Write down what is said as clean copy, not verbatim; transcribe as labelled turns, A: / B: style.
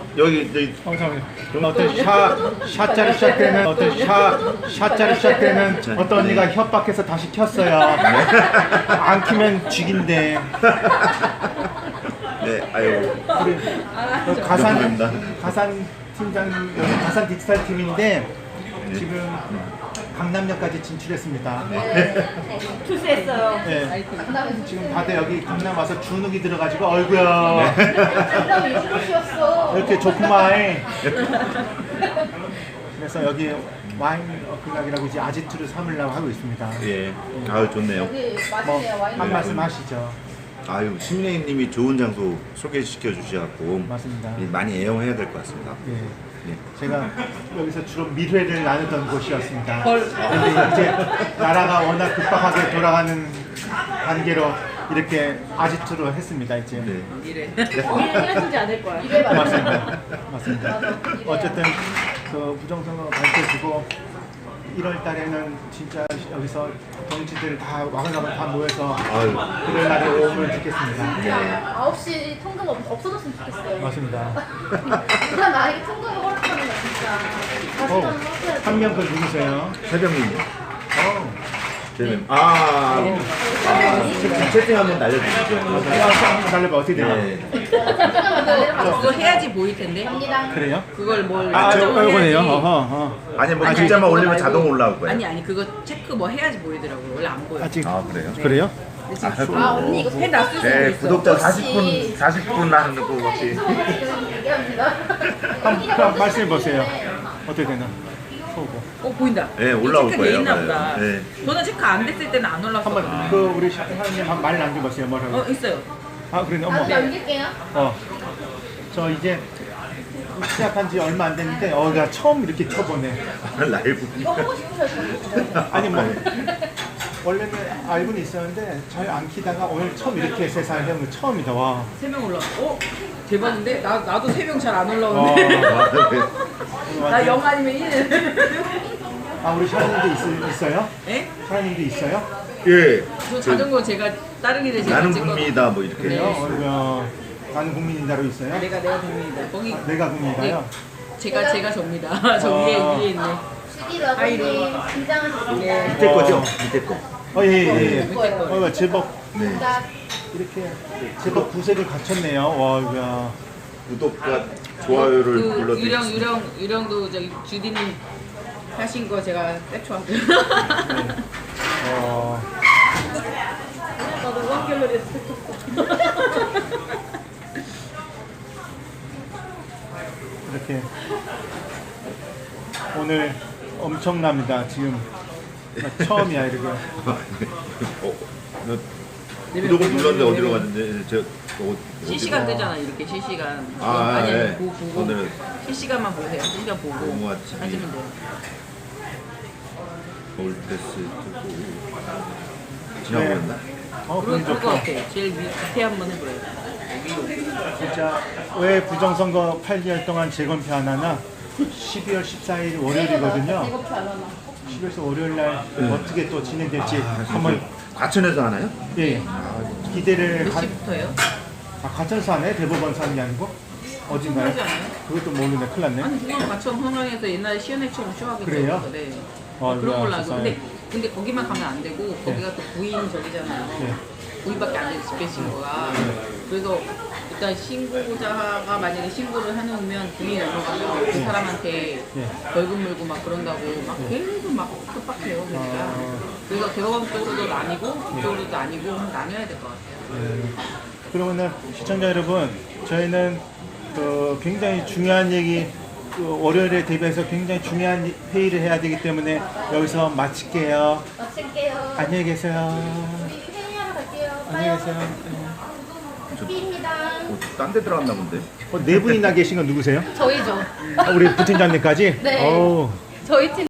A: 여기
B: 잠깐만요. 어떤 샷자로 시작되는 샷자로 시작되는 어떤 언니가 협박해서 다시 켰어요. 안 키면 죽인대.
A: 네, 아유.
B: 우리 가산 팀장 여기 가산 디지털 팀인데 지금 강남역까지 진출했습니다.
C: 출세했어요.
B: 네. 지금 다들 여기 강남 와서 주눅이 들어가지고 얼굴야 이렇게 좋구만. 그래서 여기 와인 어플락이라고 이제 아지트를 삼으려고 하고 있습니다.
A: 예. 아유, 좋네요.
B: 한 말씀 하시죠.
A: 아유, 시민회님이 좋은 장소 소개시켜 주셔갖고
B: 맞습니다.
A: 많이 애용해야 될 것 같습니다.
B: 예.
A: 네.
B: 제가 여기서 주로 밀회를 나누던 곳이었습니다. 그런데 이제 나라가 워낙 급박하게 돌아가는 관계로 이렇게 아지트로 했습니다. 이제.
A: 네.
C: 이래주지 않을 거야.
B: 맞습니다. 맞습니다. 어쨌든 그 부정선거 밝혀지고 1월 달에는 진짜 여기서 정치들 다 와글와글 다 모여서
A: 아유.
B: 그럴 날이 오면 좋겠습니다.
A: 네.
D: 9시 통금 없어졌으면 좋겠어요.
B: 맞습니다.
D: 일단 나에게 통금을 허락하는 거 진짜. 다시 한번 해야
B: 한 명 그 누구세요?
A: 새벽님요. 저는 채팅 한번 날려주시죠.
B: 한번 달려봐. 어떻게 되나?
A: 네.
E: 그거 해야지 보일 텐데.
B: 그래요?
E: 그걸 뭘
B: 아,
E: 설정을
B: 이거네요.
E: 해야지.
A: 아니 뭐
E: 아니,
A: 글자만
E: 그거
A: 올리면
E: 말고.
A: 자동 올라올 거예요.
E: 아니 그거 체크 뭐 해야지 보이더라고요. 원래 안 보여.
B: 아직
A: 아, 그래요?
B: 그래요?
E: 근데 지금
D: 아, 언니 이거
E: 해놨을 수도
A: 네,
E: 있어.
A: 구독자
D: 혹시-
A: 40분 하는 거 혹시
D: 얘기합니다.
B: 한번 말씀해 보세요. 어떻게 되나?
E: 보인다.
A: 네, 올라올
E: 체크돼
A: 거예요.
E: 있나
A: 네.
E: 보다.
A: 네.
E: 저는 체크 안 됐을 때는 안 올랐어.
B: 한번 그 우리 사장님 한 말 남겨보세요. 뭐라고?
E: 있어요.
B: 아 그러네. 어머.
D: 나도 남길게요.
B: 저 이제 시작한 지 얼마 안 됐는데 나 처음 이렇게 쳐보네.
A: 라이브.
D: 이거 하고 싶으셔서.
B: 아니 뭐 원래는 알고는 있었는데 잘 안 키다가 오늘 처음 이렇게 세상에 해본 거 처음이다. 와.
E: 3명 올랐어. 대박인데? 나도 3명 잘 안
B: 와.
E: 올라오는데. 나 0 아니면 1.
B: 아 우리 사장님도 있어요?
E: 예?
B: 사장님도 있어요?
A: 예.
E: 저 자전거 제가 다른 길에 제가
A: 나는
E: 찍거든요.
A: 국민이다 뭐 이렇게.
B: 그래요? 나는 국민인다로 있어요?
E: 내가 국민이다. 거기
B: 내가 국민인가요?
E: 제가 접니다. 저 위에 있네.
D: 11월 아버님 긴장하셨습니다.
A: 밑에 거죠? 밑에 거.
B: 예.
E: 밑에 거.
B: 제법
A: 네.
B: 이렇게 제법 구색을 갖췄네요. 와, 야.
A: 구독과 좋아요를
E: 그
A: 눌러주세요.
E: 유령도 저기 주디님 하신 거 제가 떼쳐왔어요.
C: 나도 원갤러리
B: 이렇게 오늘 엄청납니다. 지금 처음이야 이렇게.
A: 너 구독을 눌렀는데 어디로 갔는데 저
E: 실시간 뜨잖아 이렇게 실시간.
A: 아,
E: 아니
A: 네.
E: 보고
A: 오늘은
E: 실시간만 보세요. 실시간 보고
A: 너무 아침이-
E: 하시면 돼요.
A: 올테스 뜨고 지나고
B: 네.
A: 있나?
B: 그건
E: 그럴 것
B: 좋고.
E: 같아. 제일 밑에 한번 해보래요.
B: 진짜 왜 부정선거 8개월 동안 재검표 안 하나? 12월 14일 월요일이거든요.
D: 배고프 안 하나.
B: 12월 월요일 날 어떻게 또 진행될지 한번
A: 과천에서 하나요?
B: 예 기대를
E: 몇 시부터예요?
B: 가천서 하네? 대법원서 하는 게 아니고? 어딘가요?
E: 하지 않아요?
B: 그것도 모르네. 큰일 났네.
E: 아니 그건 과천 홍영에서 옛날에 시연회처럼 쇼하겠죠.
B: 그래요?
E: 네.
B: 어,
E: 그런 걸로 알고.
B: 세상에.
E: 근데 거기만 가면 안 되고 거기가 또 부인 저기잖아요.
B: 네.
E: 부인밖에 안 되는 집회 신고가. 그래서 일단 신고자가 만약에 신고를 해놓으면 부인이 넘어가면 그 사람한테
B: 네.
E: 벌금 물고 막 그런다고 막 계속 막 급박해요. 그러니까. 그래서 대법원 쪽으로도 나뉘고 그쪽으로도 나뉘고 나뉘어야 될 것 같아요.
B: 네. 그러면은 시청자 여러분, 저희는 그 굉장히 중요한 얘기, 그 월요일에 대비해서 굉장히 중요한 회의를 해야 되기 때문에 여기서 마칠게요.
D: 마칠게요.
B: 안녕히 계세요.
D: 우리 회의하러 갈게요.
B: 안녕히 계세요.
D: 피입니다.
A: 딴 데 들어갔나 본데?
B: 네 분이나 계신 건 누구세요?
D: 저희죠.
B: 우리 부팀장님까지?
D: 네.
B: 어우.
D: 저희 팀.